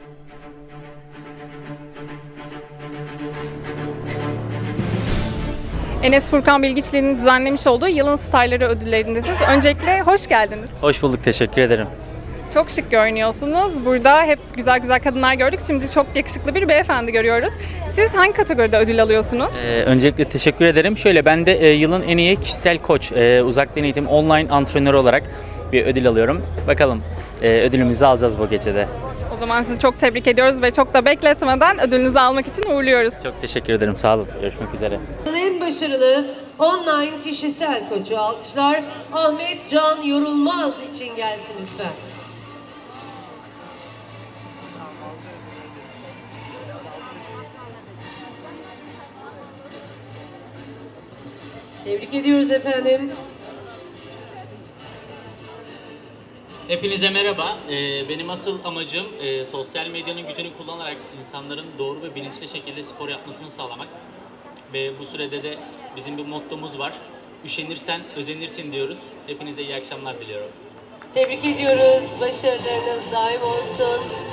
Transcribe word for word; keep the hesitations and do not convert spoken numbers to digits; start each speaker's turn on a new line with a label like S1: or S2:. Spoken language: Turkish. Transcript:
S1: Enes Furkan Bilgiçli'nin düzenlemiş olduğu Yılın Starları ödüllerindesiniz. Öncelikle hoş geldiniz.
S2: Hoş bulduk, teşekkür ederim.
S1: Çok şık görünüyorsunuz. Burada hep güzel güzel kadınlar gördük. Şimdi çok yakışıklı bir beyefendi görüyoruz. Siz hangi kategoride ödül alıyorsunuz?
S2: Ee, öncelikle teşekkür ederim. Şöyle, ben de e, yılın en iyi kişisel koç, e, uzaktan eğitim online antrenörü olarak bir ödül alıyorum. Bakalım e, ödülümüzü alacağız bu gecede.
S1: O zaman sizi çok tebrik ediyoruz ve çok da bekletmeden ödülünüzü almak için uğurluyoruz.
S2: Çok teşekkür ederim, sağ olun. Görüşmek üzere.
S3: En başarılı online kişisel koçu alkışlar Ahmet Can Yorulmaz için gelsin lütfen. Tebrik ediyoruz efendim.
S4: Hepinize merhaba. Ee, benim asıl amacım e, sosyal medyanın gücünü kullanarak insanların doğru ve bilinçli şekilde spor yapmasını sağlamak. Ve bu sürede de bizim bir mottomuz var. Üşenirsen özenirsin diyoruz. Hepinize iyi akşamlar diliyorum.
S3: Tebrik ediyoruz. Başarılarınız daim olsun.